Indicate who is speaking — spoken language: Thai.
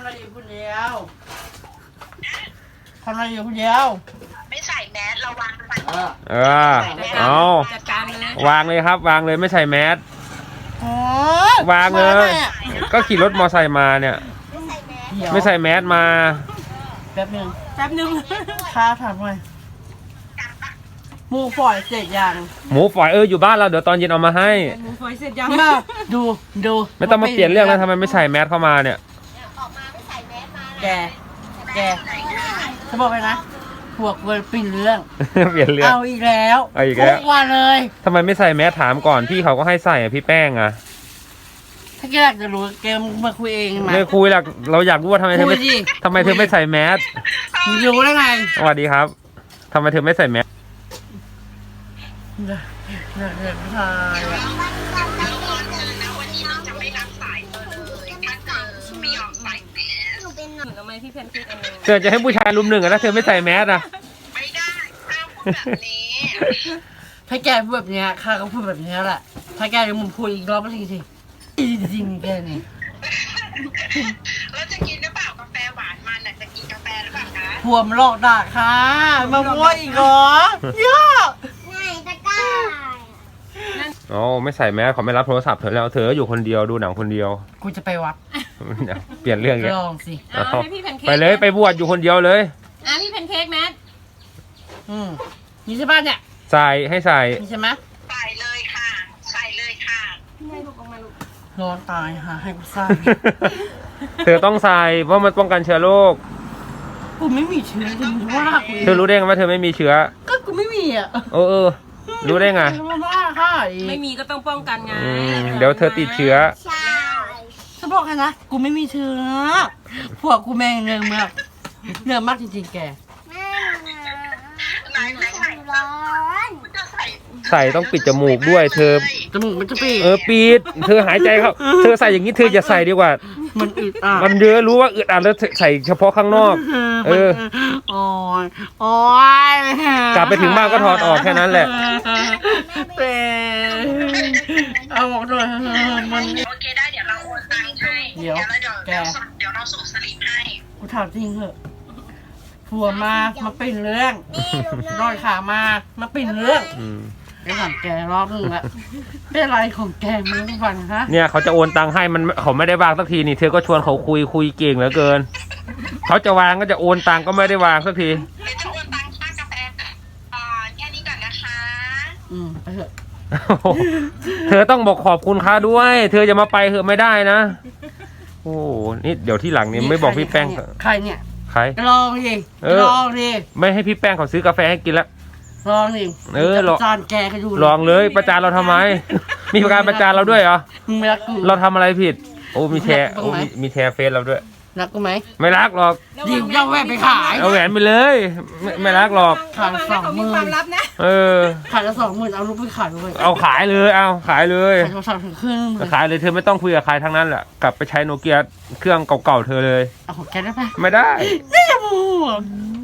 Speaker 1: อะไรอยู่คนเดียวทำอะไรอยู่คนเดียว
Speaker 2: ไม่ใส่แมสระวังฟัน
Speaker 3: เอา
Speaker 4: จัดการเลยว
Speaker 3: างเลยครับวางเลยไม่ใส่แมส
Speaker 1: อ๋อ
Speaker 3: วางเลยก็ขี่รถมอไซค์มาเนี่ยไม่ใส่แมสมา
Speaker 1: แป๊บนึง
Speaker 4: แป๊บนึง
Speaker 1: ข้าถามหน่อยหมูฝอยเสร็จยัง
Speaker 3: หมูฝอยอยู่บ้านเราเดี๋ยวตอนเย็นเอามาให้
Speaker 4: หมูฝอยเสร็จยัง
Speaker 1: มาดู
Speaker 3: ไม่ต้องมาเปลี่ยนเรื่องแล้วทำไมไม่ใส่แมสเข้ามาเนี่ย
Speaker 1: แกจะบอกไปนะพวกเวอร์ปินเรื่อง
Speaker 3: เปลี่ยนเรื่อง
Speaker 1: เอาอีกแล้ว
Speaker 3: เอาอีกแล้ว
Speaker 1: ทุกวันเลย
Speaker 3: ทำไมไม่ใส่แมสถามก่อนพี่เขาก็ให้ใส่พี่แป้งอะ
Speaker 1: ถ้าแกอยากจะรู้แกมาคุยเองมา
Speaker 3: ไม่คุยหรอกเราอยากรู้ว่าทำไมเธอไม่
Speaker 1: คุยดิ
Speaker 3: ทำไมเธอไม่ใส่แมส
Speaker 1: รู้ได้ไง
Speaker 3: สวัสดีครับทำไมเธอไม่ใส่แมส
Speaker 1: เดี๋ยวผู้ชายอะ
Speaker 2: วันนี้เราจะไม่รับสายเลยถ้าเกิดไม่ยอมใส่แมส
Speaker 4: ทำไมพี่แพนเค้กอันนึง
Speaker 3: เธอจะให้ผู้ชายลุมหนึ่งอะถ้าเธอไม่ใส่แมสอะ
Speaker 2: ไม่ได้ห้ามพูดแบบนี้
Speaker 1: ถ้าแกพูดแบบเนี้ยข้าก็พูดแบบเนี้ยแหละ ถ้าแกยังมึงพูดอีกรอบก็สิจริงๆแกนี่
Speaker 2: แล้วจะกินหรือเปล่ากาแฟหวานมันน่ะจะกินกาแฟหรือเปล่าคะ
Speaker 1: พวมหลอกด่าค่ะมาโวยอีกเหรอเยอะ
Speaker 3: อ๋อไม่ใส่แมสเขาไม่รับโทรศัพท์เธอแล้วเธออยู่คนเดียวดูหนังคนเดียว
Speaker 1: กูจะไปวัด
Speaker 3: เปลี่ยนเรื่องอย่าง
Speaker 1: ลองสิ
Speaker 4: เอาให้พี่แพนเค้ก
Speaker 3: ไปเลยไปบวชอยู่คนเดียวเลย
Speaker 4: พี่แพนเค้กแมท
Speaker 1: มีใช่ป่ะเนี่ย
Speaker 3: ใส่ให้ใส่
Speaker 1: มีใช่ไหม
Speaker 2: ใส่เลยค่ะใส่เลยค่ะ
Speaker 4: ให้ลูกออกมาลูก
Speaker 1: ร้อนตายหาให้กูใส่
Speaker 3: เธอต้องใส่เพราะมันป้องกันเชื้อโรค
Speaker 1: กูไม่มีเชื้อจริงว่ากู
Speaker 3: เธอรู้ได้ไงว่าเธอไม่มีเชื้อ
Speaker 1: ก็กูไม่มีอ่ะ
Speaker 3: เออรู้ได้ไง
Speaker 1: ว่าค่ะ
Speaker 4: ไม่มีก็ต้องป้องกันไง
Speaker 3: เดี๋ยวเธอติดเชื้อ
Speaker 1: ฉันบอกให้นะกูไม่มีเชื้อพวกกูแม่งเรื่องมากเรื่องมากจริงๆแก
Speaker 2: ไหนใส่ร้อนจะใส่
Speaker 3: ใส่ต้องปิดจมูกด้วย เธอ
Speaker 1: จมูกมันจะปี
Speaker 3: ปิดเธอหายใจเข้าเธอใส่อย่างนี้เธออย่าใส่ดีกว่า
Speaker 1: มันอึดอัด
Speaker 3: มันเยอะรู้ว่าอึดอัดแล้วใส่เฉพาะข้างนอก
Speaker 1: โอ้ยโอ้ย
Speaker 3: กลับไปถึงบ้านก็ถอดออกแค่นั้นแหละ
Speaker 1: แต่เอาออกหน่อยมัน
Speaker 2: โอเคได้เดี๋ยวเราโอนตังค์ให้
Speaker 1: เดี๋ยวแก
Speaker 2: เดี๋ยวเราส่งสลิปให้
Speaker 1: กูถามจริงเหอะผัวมาเป็นเรื่องรอยขามาเป็นเรื่องไปถามแกรอบนึงละเป็นอะไรของแกมึงทุกวันฮะ
Speaker 3: เนี่ยเขาจะโอนตังค์ให้มันเขาไม่ได้วางสักทีนี่เธอก็ชวนเขาคุยเก่งเหลือเกินเขาจะวางก็จะโอนตังค์ก็ไม่ได้วางสักที
Speaker 2: เดี๋ยวจะโอนตังค่ากาแฟแค่นี้ก่อนนะคะ
Speaker 1: ไปเถอะ
Speaker 3: เธอต้องบอกขอบคุณค้าด้วย เธอจะมาไปเหอะไม่ได้นะโอ้นี่เดี๋ยวที่หลังนี่ไม่บอกพี่แป้ง
Speaker 1: ใครเนี่ย
Speaker 3: ใคร
Speaker 1: ลองดิลองดิ
Speaker 3: ไม่ให้พี่แป้งเขาซื้อกาแฟให้กินแล้ว
Speaker 1: ลองดิ
Speaker 3: ลอง
Speaker 1: จานแกก็ดู
Speaker 3: ลองเลยประจานเราทำไม มีการประจานเราด้วยเหรอ
Speaker 1: มึงไม่รักกู
Speaker 3: เราทำอะไรผิด โอ้มีแชร์
Speaker 1: ตรง
Speaker 3: โอ้
Speaker 1: ไหน
Speaker 3: มีแชร์เฟซเราด้วย
Speaker 1: รักกูไหม
Speaker 3: ไม่รักหรอก
Speaker 1: หยิบย่าแหวนไปขาย
Speaker 3: เอาแหวนไปเลยไม่รักหรอก
Speaker 1: ขาย20,000
Speaker 4: มีความลับนะ
Speaker 1: ขายละ20,000เอาลูกไปขายด้วย
Speaker 3: เอาขายเลยเอาขายเลย
Speaker 1: ขายโทรศัพท์ถึงเครื่องเลย
Speaker 3: ขายเลยเธอไม่ต้องคุยกับใครทั้งนั้นแหละกลับไปใช้โนเกียเครื่องเก่าๆเธอเลย
Speaker 1: เอาของแกได้ไหม
Speaker 3: ไม่ได้
Speaker 1: นี่จะมู